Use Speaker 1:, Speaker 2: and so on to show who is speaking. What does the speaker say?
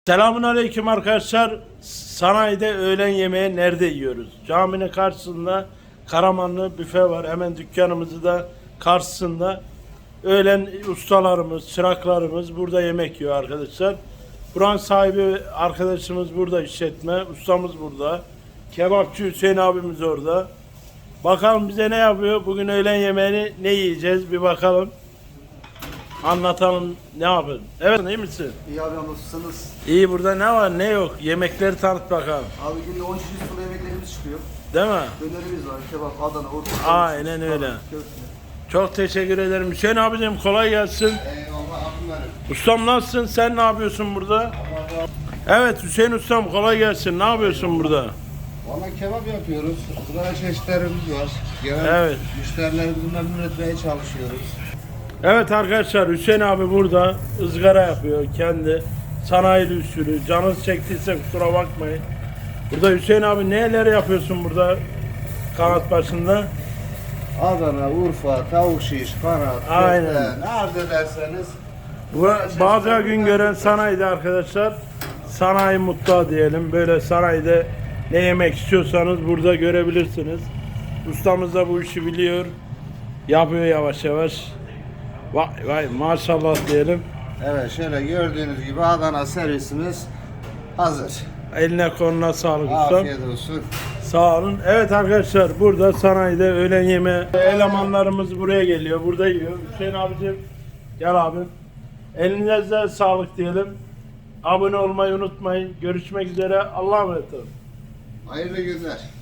Speaker 1: Selamünaleyküm arkadaşlar. Sanayide öğlen yemeği nerede yiyoruz? Caminin karşısında Karamanlı büfe var. Hemen dükkanımızı da karşısında. Öğlen ustalarımız, çıraklarımız burada yemek yiyor arkadaşlar. Buranın sahibi arkadaşımız burada, işletme. Ustamız burada. Kebapçı Hüseyin abimiz orada. Bakalım bize ne yapıyor? Bugün öğlen yemeğini ne yiyeceğiz? Bir bakalım. Anlatalım, ne yapalım. Evet, iyi misin?
Speaker 2: İyi abi, nasılsınız?
Speaker 1: İyi, burada ne var ne yok? Yemekleri tanıt bakalım.
Speaker 2: Abi günde 10 çeşit sulu yemeklerimiz çıkıyor.
Speaker 1: Değil mi?
Speaker 2: Dönerimiz var, kebap, Adana, Urfa.
Speaker 1: Aynen öyle.
Speaker 2: Köfte.
Speaker 1: Çok teşekkür ederim. Hüseyin abicim kolay gelsin.
Speaker 2: Eyvallah abim benim.
Speaker 1: Ustam nasılsın? Sen ne yapıyorsun burada? Evet Hüseyin ustam kolay gelsin. Ne yapıyorsun burada?
Speaker 3: Valla kebap yapıyoruz. Izgara çeşitlerimiz var. Genel
Speaker 1: Evet.
Speaker 3: müşterilerimizi memnun etmeye çalışıyoruz.
Speaker 1: Evet arkadaşlar, Hüseyin abi burada ızgara yapıyor kendi. Sanayili usulü. Canınız çektiyse kusura bakmayın. Burada Hüseyin abi neler yapıyorsun burada kanat başında?
Speaker 3: Adana, Urfa, tavuk şiş, kanat,
Speaker 1: Aynen.
Speaker 3: köfte, ne arz ederseniz.
Speaker 1: Bu bazı gün gören sanayide arkadaşlar, sanayi mutfağı diyelim. Böyle sanayide ne yemek istiyorsanız burada görebilirsiniz. Ustamız da bu işi biliyor. Yapıyor yavaş yavaş. Vay vay maşallah diyelim.
Speaker 3: Evet, şöyle gördüğünüz gibi Adana servisimiz hazır.
Speaker 1: Eline koluna sağlık ustam.
Speaker 3: Afiyet olsun.
Speaker 1: Sağ olun. Evet arkadaşlar, burada sanayide öğlen yemeği elemanlarımız buraya geliyor. Burada yiyor. Hüseyin abicim gel abim. Elinize sağlık diyelim. Abone olmayı unutmayın. Görüşmek üzere. Allah'a emanet olun.
Speaker 3: Hayırlı günler.